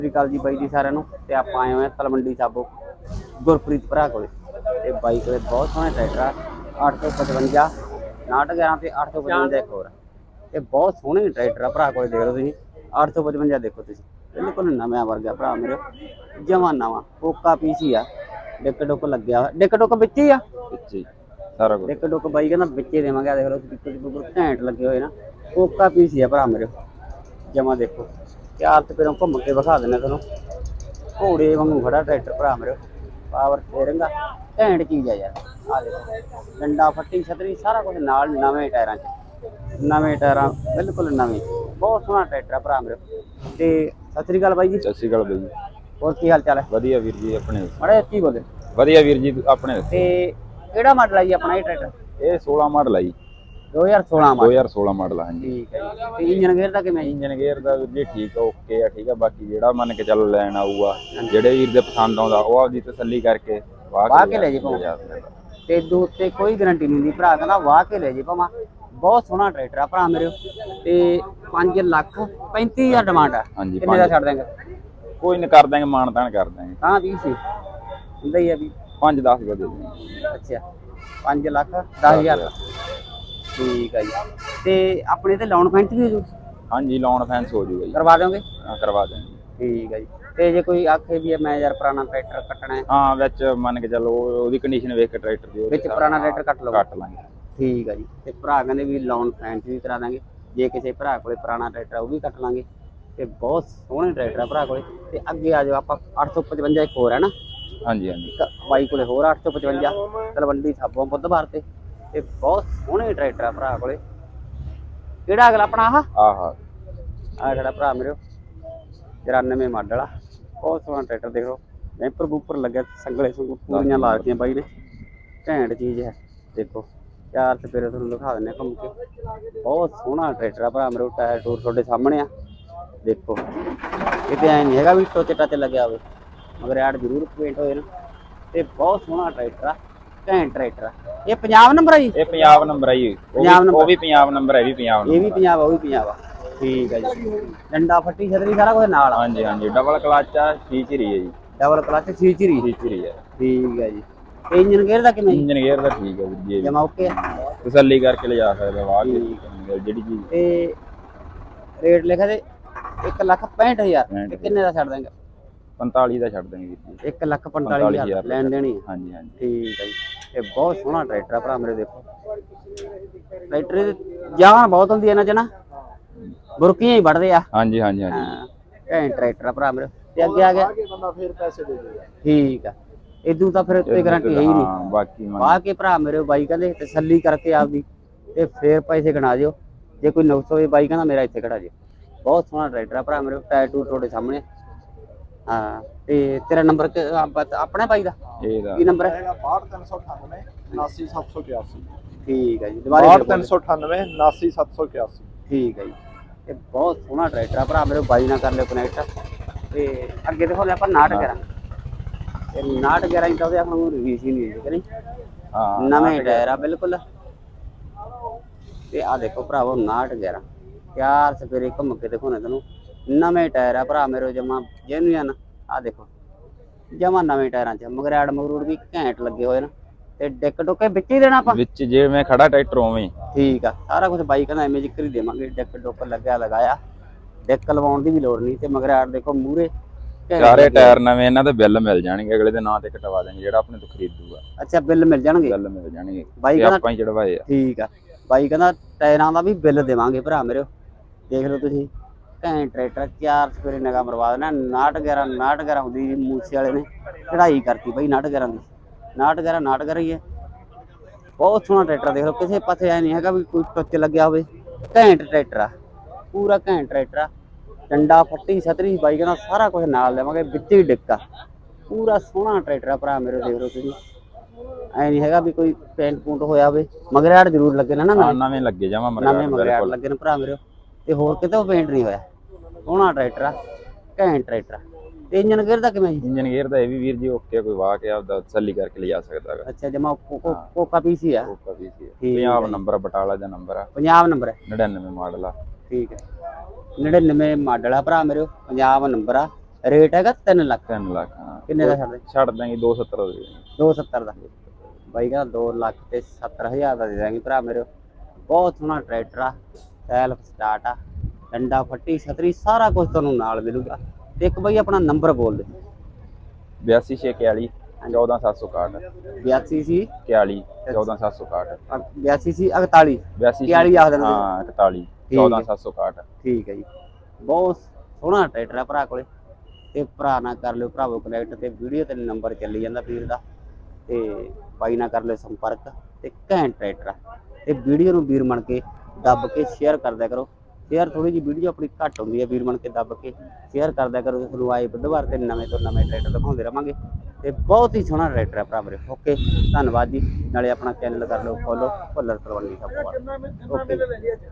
ਸਤਿ ਸ਼੍ਰੀ ਅਕਾਲ ਜੀ ਬਾਈ ਜੀ ਸਾਰਿਆਂ ਨੂੰ। ਤੇ ਆਪਾਂ ਆਏ ਹੋਏ ਆ ਤਲਵੰਡੀ ਸਾਬੋ ਗੁਰਪ੍ਰੀਤ ਭਰਾ ਕੋਲੇ। ਤੇ ਬਾਈ ਕੋਲੇ ਬਹੁਤ ਸੋਹਣੇ ਟਰੈਕਟਰ ਆ 855 911 ਤੇ 855 ਇੱਕ ਹੋਰ ਤੇ ਬਹੁਤ ਸੋਹਣੇ ਟਰੈਕਟਰ ਆ ਭਰਾ ਕੋਲੇ। ਦੇਖ ਲਓ ਤੁਸੀਂ 855 ਦੇਖੋ ਤੁਸੀਂ, ਬਿਲਕੁਲ ਨਵਾਂ ਵਰਗਾ ਭਰਾ ਮੇਰੇ, ਜਮਾਂ ਨਵਾਂ ਕੋਕਾ ਪੀਸ ਹੀ ਆ। ਡਿੱਕ ਡੁੱਕ ਲੱਗਿਆ ਹੋਇਆ, ਡਿੱਕ ਡੁੱਕ ਵਿੱਚ ਹੀ ਆ, ਸਾਰਾ ਕੁਝ ਡਿੱਕ ਡੁੱਕ ਬਾਈ ਕਹਿੰਦਾ ਵਿੱਚੇ ਦੇਵਾਂਗੇ। ਆ ਦੇਖ ਲਓ ਸਪੀਕਰ ਘੈਂਟ ਲੱਗੇ ਹੋਏ ਨਾ, ਕੋਕਾ ਪੀਸ ਹੀ ਆ ਭਰਾ ਮੇਰੇ ਜਮਾਂ। ਦੇਖੋ ਚਾਰ ਚਪੇਰੋਂ ਘੁੰਮ ਕੇ ਵਿਖਾ ਦਿੰਦੇ ਤੁਹਾਨੂੰ, ਘੋੜੇ ਵਾਂਗੂ ਖੜਾ ਟਰੈਕਟਰ ਭਰਾ ਮੇਰੇ, ਪਾਵਰ ਸਟੀਅਰਿੰਗ ਆ, ਘੈਂਟ ਚੀਜ਼ ਆ ਯਾਰ। ਆ ਦੇਖੋ ਡੰਡਾ ਫੱਟੀ ਛਤਰੀ ਸਾਰਾ ਕੁਝ ਨਾਲ, ਨਵੇਂ ਟਾਇਰਾਂ 'ਚ, ਨਵੇਂ ਟਾਇਰਾਂ ਬਿਲਕੁਲ ਨਵੇਂ। ਬਹੁਤ ਸੋਹਣਾ ਟਰੈਕਟਰ ਆ ਭਰਾ ਮੇਰੇ। ਤੇ ਸਤਿ ਸ੍ਰੀ ਅਕਾਲ ਬਾਈ ਜੀ। ਸਤਿ ਸ਼੍ਰੀ ਅਕਾਲ ਬਾਈ ਜੀ। ਹੋਰ ਕੀ ਹਾਲ ਚਾਲ ਹੈ? ਵਧੀਆ ਵੀਰ ਜੀ ਆਪਣੇ। ਮਾੜਾ ਜਿਹਾ ਕੀ ਬੋਲੇ? ਵਧੀਆ ਵੀਰ ਜੀ ਆਪਣੇ। ਤੇ ਕਿਹੜਾ ਮਾਡਲ ਹੈ ਜੀ ਆਪਣਾ ਇਹ ਟਰੈਕਟਰ? ਇਹ 16 ਮਾਡਲ ਆ ਜੀ। 2016 ਮਾਡਲ। 2016 ਮਾਡਲ ਆ ਹਾਂਜੀ। ਠੀਕ ਹੈ ਜੀ। ਤੇ ਇੰਜਨ ਗੇਅਰ ਦਾ ਕਿਵੇਂ? ਇੰਜਨ ਗੇਅਰ ਦਾ ਵੀਰ ਜੀ ਠੀਕ ਆ, ਓਕੇ ਆ, ਠੀਕ ਆ। ਬਾਕੀ ਜਿਹੜਾ ਮੰਨ ਕੇ ਚੱਲ ਲੈਣ ਆਊਗਾ, ਜਿਹੜੇ ਵੀਰ ਦੇ ਪਸੰਦ ਆਉਂਦਾ ਉਹ ਆਪਦੀ ਤਸੱਲੀ ਕਰਕੇ ਵਾਹ ਕੇ ਲੈ ਜੇ ਭਾਵੇਂ। ਤੇ ਦੋ ਉੱਤੇ ਕੋਈ ਗਰੰਟੀ ਨਹੀਂ ਹੁੰਦੀ, ਭਰਾ ਕਹਿੰਦਾ ਵਾਹ ਕੇ ਲੈ ਜੇ ਭਾਵੇਂ। ਬਹੁਤ ਸੋਹਣਾ ਟਰੈਕਟਰ ਆ ਭਰਾ ਮੇਰੇ। ਤੇ 5,35,000 ਡਿਮਾਂਡ ਆ। ਹਾਂਜੀ, ਕਿੰਨੇ ਦਾ ਛੱਡ ਦੇਂਗੇ? ਕੋਈ ਨਹੀਂ ਕਰ ਦਾਂਗੇ, ਮਾਣ ਤਾਣ ਕਰ ਦਾਂਗੇ। ਹਾਂ 20 ਸੀ ਹੁੰਦਾ ਹੀ ਆ ਵੀ 5-10 ਦੇ ਦੇ। ਅੱਛਾ 5,10,000 ਦਾ। ਠੀਕ ਹੈ ਜੀ। ਤੇ ਆਪਣੇ ਤੇ ਲੋਨ ਫੈਂਸ ਵੀ ਹੋ ਜੂ? ਹਾਂਜੀ ਲੋਨ ਫੈਂਸ ਹੋ ਜੂਗਾ ਜੀ। ਕਰਵਾ ਦੋਗੇ? ਹਾਂ ਕਰਵਾ ਦਾਂਗੇ। ਠੀਕ ਹੈ ਜੀ। ਤੇ ਜੇ ਕੋਈ ਆਖੇ ਵੀ ਮੈਂ ਯਾਰ ਪੁਰਾਣਾ ਟਰੈਕਟਰ ਕੱਟਣਾ ਹੈ? ਹਾਂ ਵਿੱਚ ਮੰਨ ਕੇ ਚੱਲੋ ਉਹਦੀ ਕੰਡੀਸ਼ਨ ਵੇਖ ਕੇ ਟਰੈਕਟਰ ਦੀ ਵਿੱਚ ਪੁਰਾਣਾ ਟਰੈਕਟਰ ਕੱਟ ਲਓ? ਕੱਟ ਲਾਂਗੇ। ਠੀਕ ਹੈ ਜੀ। ਤੇ ਭਰਾ ਕਹਿੰਦੇ ਵੀ ਲੋਨ ਫੈਂਸ ਵੀ ਕਰਾ ਦਾਂਗੇ, ਜੇ ਕਿਸੇ ਭਰਾ ਕੋਲੇ ਪੁਰਾਣਾ ਟਰੈਕਟਰ ਉਹ ਵੀ ਕੱਟ ਲਾਂਗੇ। ਤੇ ਬਹੁਤ ਸੋਹਣੇ ਟਰੈਕਟਰ ਆ ਭਰਾ ਕੋਲੇ। ਤੇ ਅੱਗੇ ਆ ਜਾਓ ਆਪਾਂ 855 ਇੱਕ ਹੋਰ ਹੈ ਨਾ? ਹਾਂਜੀ ਹਾਂਜੀ ਬਾਈ ਕੋਲੇ ਹੋਰ 855 ਤਲਵੰਡੀ ਸਾਬੋ ਬੁੱਧਵਾਰ ਤੇ ਬਹੁਤ ਸੋਹਣੇ ਟਰੈਕਟਰ ਆ ਭਰਾ ਕੋਲੇ। ਕਿਹੜਾ ਅਗਲਾ ਆਪਣਾ ਆਹ ਜਿਹੜਾ ਭਰਾ ਮੇਰੇ 94 ਮਾਡਲ ਆ, ਬਹੁਤ ਸੋਹਣਾ ਟਰੈਕਟਰ। ਦੇਖ ਲਓ ਵੈਂਪਰ ਬੂਪਰ ਲੱਗਿਆ, ਸੰਗਲੇ ਸੰਗੂ ਪੂਰੀਆਂ ਲਾ ਦਿੱਤੀਆਂ ਬਾਈ ਨੇ, ਘੈਂਟ ਚੀਜ਼ ਹੈ। ਦੇਖੋ ਚਾਰ ਚਪੇਰੇ ਤੁਹਾਨੂੰ ਦਿਖਾ ਦਿੰਦੇ ਘੁੰਮ ਕੇ, ਬਹੁਤ ਸੋਹਣਾ ਟਰੈਕਟਰ ਆ ਭਰਾ ਮੇਰੇ। ਟਾਇਰ ਟੂਰ ਤੁਹਾਡੇ ਸਾਹਮਣੇ ਆ ਦੇਖੋ, ਕਿਤੇ ਐ ਨਹੀਂ ਹੈਗਾ ਵੀ ਟੋਚੇ ਟਾਚੇ ਲੱਗਿਆ ਹੋਵੇ, ਮਗਰ ਐਡ ਜ਼ਰੂਰ ਪੇਂਟ ਹੋਏ ਨਾ। ਤੇ ਬਹੁਤ ਸੋਹਣਾ ਟਰੈਕਟਰ ਆ, ਘੈਂਟ ਟਰੈਕਟਰ ਆ। ਇਹ ਪੰਜਾਬ ਨੰਬਰ ਆ ਜੀ? ਇਹ ਪੰਜਾਬ ਨੰਬਰ ਆ ਜੀ। ਉਹ ਵੀ ਪੰਜਾਬ ਨੰਬਰ ਹੈ, ਵੀ ਪੰਜਾਬ ਨੰਬਰ। ਇਹ ਵੀ ਪੰਜਾਬ ਆ, ਉਹ ਵੀ ਪੰਜਾਬ ਆ। ਠੀਕ ਹੈ ਜੀ। ਡੰਡਾ ਫੱਟੀ ਛਤਰੀ ਸਾਰਾ ਕੁਝ ਨਾਲ? ਹਾਂਜੀ ਹਾਂਜੀ ਡਬਲ ਕਲਚ ਆ, ਫੀਚਰ ਹੀ ਹੈ ਜੀ। ਡਬਲ ਕਲਚ ਫੀਚਰ ਹੀ ਹੈ। ਠੀਕ ਹੈ ਜੀ। ਤੇ ਇੰਜਨ ਗੇਅਰ ਦਾ ਕਿਵੇਂ? ਇੰਜਨ ਗੇਅਰ ਦਾ ਠੀਕ ਹੈ ਵੀਰ ਜੀ, ਜਮਾ ਓਕੇ ਆ, ਤਸੱਲੀ ਕਰਕੇ ਲਿਜਾ ਸਕਦਾ ਵਾਹ ਕੇ ਜਿਹੜੀ ਚੀਜ਼। ਤੇ ਰੇਟ ਲਿਖਿਆ ਤੇ 1,65,000 ਤੇ ਕਿੰਨੇ ਦਾ ਛੱਡ ਦੇਂਗੇ? 45 ਦਾ ਛੱਡ ਦੇਂਗੇ ਵੀਰ ਜੀ। 1,45,000 ਲੈਣ ਦੇਣੀ? ਹਾਂਜੀ ਹਾਂਜੀ ਠੀਕ ਹੈ ਜੀ। ਤੇ ਬਹੁਤ ਸੋਹਣਾ ਟਰੈਕਟਰ ਆ ਭਰਾ ਮੇਰੇ। ਦੇਖੋ ਟਰੈਕਟਰ ਦੀ ਜਾਨ ਬਹੁਤ ਹੁੰਦੀ ਹੈ ਇਹਨਾਂ 'ਚ ਨਾ, ਬੁਰਕੀਆਂ ਹੀ ਵੱਢਦੇ ਆ। ਹਾਂਜੀ ਹਾਂਜੀ ਘੈਂਟ ਟਰੈਕਟਰ ਆ ਭਰਾ ਮੇਰੇ। ਤੇ ਅੱਗੇ ਆ ਗਿਆ ਬੰਦਾ ਫਿਰ ਪੈਸੇ ਦੇ ਦੇਗਾ। ਠੀਕ ਆ, ਇਦੋਂ ਤਾਂ ਫਿਰ ਉੱਤੇ ਗਾਰੰਟੀ ਹੈ ਹੀ ਨਹੀਂ। ਬਾਕੀ ਵਾਹ ਕੇ ਭਰਾ ਮੇਰੇ ਬਾਈ ਕਹਿੰਦੇ ਤਸੱਲੀ ਕਰਕੇ ਆਪਦੀ ਤੇ ਫੇਰ ਪੈਸੇ ਗਿਣਾ ਦਿਓ। ਜੇ ਕੋਈ ਨੁਕਸ ਹੋਵੇ ਬਾਈ ਕਹਿੰਦਾ ਮੇਰਾ ਇੱਥੇ ਖੜਾ ਜੇ। ਬਹੁਤ ਸੋਹਣਾ ਟਰੈਕਟਰ ਆ ਭਰਾ ਮੇਰੇ, ਟਾਇਰ ਟੂਰ ਤੁਹਾਡੇ ਸਾਹਮਣੇ। ਹਾਂ ਤੇ ਤੇਰਾ ਨੰਬਰ ਆਪਣਾ ਬਾਈ ਦਾ ਕੀ ਨੰਬਰ ਹੈ? 62 398 79781। ਠੀਕ ਹੈ ਜੀ। 62 398 79781। ਠੀਕ ਹੈ ਜੀ। ਇਹ ਬਹੁਤ ਸੋਹਣਾ ਟਰੈਕਟਰ ਆ ਭਰਾ ਮੇਰੇ, ਬਾਈ ਨਾਲ ਕਰ ਲਿਓ ਕਨੈਕਟ। ਤੇ ਅੱਗੇ ਦੇਖੋ ਆਪਾਂ 911 ਤੇ 911 ਤਾਂ ਉਹਦੇ ਆਪਾਂ ਨੂੰ ਰਿਵੀਜ਼ ਹੀ ਨਹੀਂ ਕਰੀ। ਹਾਂ ਨਵੇਂ ਟਾਇਰ ਆ ਬਿਲਕੁਲ। ਤੇ ਆ ਦੇਖੋ ਭਰਾਵੋ 911 ਚਾਰ ਸਪੇਰੇ ਘੁੰਮ ਕੇ ਦੇਖੋ ਨਾ ਤੈਨੂੰ, ਨਵੇਂ ਟਾਇਰ ਆ ਭਰਾ ਮੇਰੇ ਜਮਾ ਜੈਨੂਅਨ। ਆ ਦੇਖੋ ਜਮਾ ਨਵੇਂ ਟਾਇਰਾਂ 'ਚ, ਮਗਰੈਡ ਮਗਰੂੜ ਵੀ ਘੈਂਟ ਲੱਗੇ ਹੋਏ ਨਾ। ਤੇ ਡਿੱਕ ਡੁੱਕੇ ਵਿੱਚ ਹੀ ਦੇਣਾ ਆਪਾਂ? ਵਿੱਚ ਜਿਵੇਂ ਖੜਾ ਟਰੈਕਟਰ ਉਵੇਂ। ਠੀਕ ਆ, ਸਾਰਾ ਕੁਝ ਬਾਈ ਕਹਿੰਦਾ ਐਵੇਂ ਜ਼ਿਕਰ ਹੀ ਦੇਵਾਂਗੇ। ਡਿੱਕ ਡੁੱਕ ਲੱਗਿਆ ਲਗਾਇਆ, ਡਿੱਕ ਲਵਾਉਣ ਦੀ ਵੀ ਲੋੜ ਨਹੀਂ। ਤੇ ਮਗਰੈਡ ਦੇਖੋ ਮੂਹਰੇ ਸਾਰੇ ਟਾਇਰ ਨਵੇਂ, ਇਹਨਾਂ ਦੇ ਬਿੱਲ ਮਿਲ ਜਾਣਗੇ, ਅਗਲੇ ਦੇ ਨਾਂ ਤੇ ਕਟਵਾ ਦੇਣਗੇ ਜਿਹੜਾ ਆਪਣੇ ਤੋਂ ਖਰੀਦੂਗਾ। ਅੱਛਾ ਬਿੱਲ ਮਿਲ ਜਾਣਗੇ? ਬਿੱਲ ਮਿਲ ਜਾਣਗੇ ਬਾਈ ਕਹਿੰਦਾ ਆਪਾਂ ਹੀ ਚੜਵਾਏ ਆ। ਠੀਕ ਆ, ਬਾਈ ਕਹਿੰਦਾ ਟਾਇਰਾਂ ਦਾ ਵੀ ਬਿੱਲ ਦੇਵਾਂਗੇ ਭਰਾ ਮੇਰੇ। ਦੇਖ ਲਓ ਤੁਸੀਂ ਘੈਂਟ ਟਰੈਕਟਰ, ਚਾਰ ਸਪੇਰੇ ਨਿਗਾਹ ਮਰਵਾ ਦੇਣਾ। 911 ਹੁੰਦੀ ਜੀ, ਮੂਸੇ ਵਾਲੇ ਨੇ ਚੜਾਈ ਕਰਤੀ ਬਾਈ 911 ਦੀ। 911 ਹੀ ਹੈ। ਬਹੁਤ ਸੋਹਣਾ ਟਰੈਕਟਰ। ਦੇਖ ਲਓ ਕਿਸੇ ਪਾਸੇ ਐ ਨਹੀਂ ਹੈਗਾ ਵੀ ਕੋਈ ਟੁੱਚ ਲੱਗਿਆ ਹੋਵੇ, ਘੈਂਟ ਟਰੈਕਟਰ ਆ, ਪੂਰਾ ਘੈਂਟ ਟਰੈਕਟਰ ਆ। ਡੰਡਾ ਫੱਟੀ ਛਤਰੀ ਬਾਈ ਕਹਿੰਦਾ ਸਾਰਾ ਕੁਝ ਨਾਲ ਦੇਵਾਂਗੇ, ਵਿੱਚ ਹੀ ਡਿੱਕਾ। ਪੂਰਾ ਸੋਹਣਾ ਟਰੈਕਟਰ ਆ ਭਰਾ ਮੇਰੇ। ਦੇਖ ਲਓ ਤੁਸੀਂ ਐ ਨਹੀਂ ਹੈਗਾ ਵੀ ਕੋਈ ਪੈਂਟ ਪੂੰਟ ਹੋਇਆ ਹੋਵੇ। ਮਗਰੈਡ ਜ਼ਰੂਰ ਲੱਗੇ ਨਾ, ਨਵੇਂ ਲੱਗੇ ਜਾਵਾਂ ਨਵੇਂ ਮਗਰੈਡ ਲੱਗੇ ਨੇ ਭਰਾ ਮੇਰੇ। ਤੇ ਹੋਰ ਕਿਤੇ ਪੇਂਟ ਨਹੀਂ ਹੋਇਆ। ਸੋਹਣਾ ਟਰੈਕਟਰ ਆ, ਘੈਂਟ ਟਰੈਕਟਰ ਆ। ਤੇ ਇੰਜਨ ਗੇਅਰ ਦਾ ਕਿਵੇਂ ਜੀ? ਇੰਜਨ ਗੇਅਰ ਦਾ ਇਹ ਵੀ ਵੀਰ ਜੀ ਓਕੇ, ਕੋਈ ਵਾਹ ਕੇ ਆਪਦਾ ਤਸੱਲੀ ਕਰਕੇ ਲਿਜਾ ਸਕਦਾ ਹੈਗਾ। ਅੱਛਾ ਜਮਾ ਕੋਕਾ ਪੀਸੀ ਆ? ਕੋਕਾ ਪੀਸੀ ਆ। ਪੰਜਾਬ ਨੰਬਰ, ਬਟਾਲਾ ਦਾ ਨੰਬਰ ਆ। ਪੰਜਾਬ ਨੰਬਰ ਹੈ? 99 ਮਾਡਲ ਆ। ਠੀਕ ਹੈ 99 ਮਾਡਲ ਆ ਭਰਾ ਮੇਰੇ, ਪੰਜਾਬ ਨੰਬਰ ਆ। ਰੇਟ ਹੈਗਾ 3 ਲੱਖ। 3 ਲੱਖ ਹਾਂ। ਕਿੰਨੇ ਦਾ ਛੱਡਦੇ? ਛੱਡ ਦਾਂਗੇ 270 ਦੇ ਦੇਵਾਂਗੇ। 270 ਦਾ ਬਾਈ ਕਹਿੰਦਾ 2 ਲੱਖ ਤੇ 70,000 ਦਾ ਦੇ ਦਾਂਗੇ ਭਰਾ ਮੇਰੇ। ਬਹੁਤ ਸੋਹਣਾ ਟਰੈਕਟਰ ਆ, ਸੈਲਫ ਸਟਾਰਟ ਆ, ਡੰਡਾ ਫੱਟੀ ਛਤਰੀ ਸਾਰਾ ਕੁਝ ਤੁਹਾਨੂੰ ਨਾਲ ਮਿਲੂਗਾ। ਤੇ ਇੱਕ ਬਾਈ ਆਪਣਾ ਨੰਬਰ ਬੋਲ ਦੇ। 8241 14761 82 ਸੀ 41 14761 82 ਸੀ 41 41 ਆਖ ਦੇਣਾ ਹਾਂ 41 14761 ਠੀਕ ਹੈ ਜੀ। ਬਹੁਤ ਸੋਹਣਾ ਟਰੈਕਟਰ ਆ ਭਰਾ ਕੋਲੇ ਤੇ ਭਰਾ ਨਾਲ ਕਰ ਲਿਓ ਭਰਾਵੋ ਕਨੈਕਟ ਤੇ ਵੀਡੀਓ ਤੇ ਨੰਬਰ ਚੱਲੀ ਜਾਂਦਾ ਵੀਰ ਦਾ ਤੇ ਬਾਈ ਨਾਲ ਕਰ ਲਿਓ ਸੰਪਰਕ ਤੇ ਘੈਂਟ ਟਰੈਕਟਰ ਆ ਤੇ ਵੀਡੀਓ ਨੂੰ ਵੀਰ ਬਣ ਕੇ ਦੱਬ ਕੇ ਸ਼ੇਅਰ ਕਰਦਿਆ ਕਰੋ। ਸ਼ੇਅਰ ਥੋੜੀ ਜਿਹੀ ਵੀਡੀਓ ਆਪਣੀ ਘੱਟ ਹੁੰਦੀ ਹੈ, ਵੀਰ ਬਣ ਕੇ ਦੱਬ ਕੇ ਸ਼ੇਅਰ ਕਰਦਿਆ ਕਰੋ। ਤੁਹਾਨੂੰ ਆਏ ਬੁੱਧਵਾਰ ਤੇ ਨਵੇਂ ਤੋਂ ਨਵੇਂ ਟਰੈਕਟਰ ਦਿਖਾਉਂਦੇ ਰਵਾਂਗੇ ਤੇ ਬਹੁਤ ਹੀ ਸੋਹਣਾ ਟਰੈਕਟਰ ਆ ਭਰਾ ਮੇਰੇ। ਓਕੇ ਧੰਨਵਾਦ ਜੀ। ਨਾਲੇ ਆਪਣਾ ਚੈਨਲ ਕਰ ਲਓ ਫੋਲੋ ਭੁੱਲਰ ਤਲਵੰਡੀ ਸਾਬੋ। ਓਕੇ।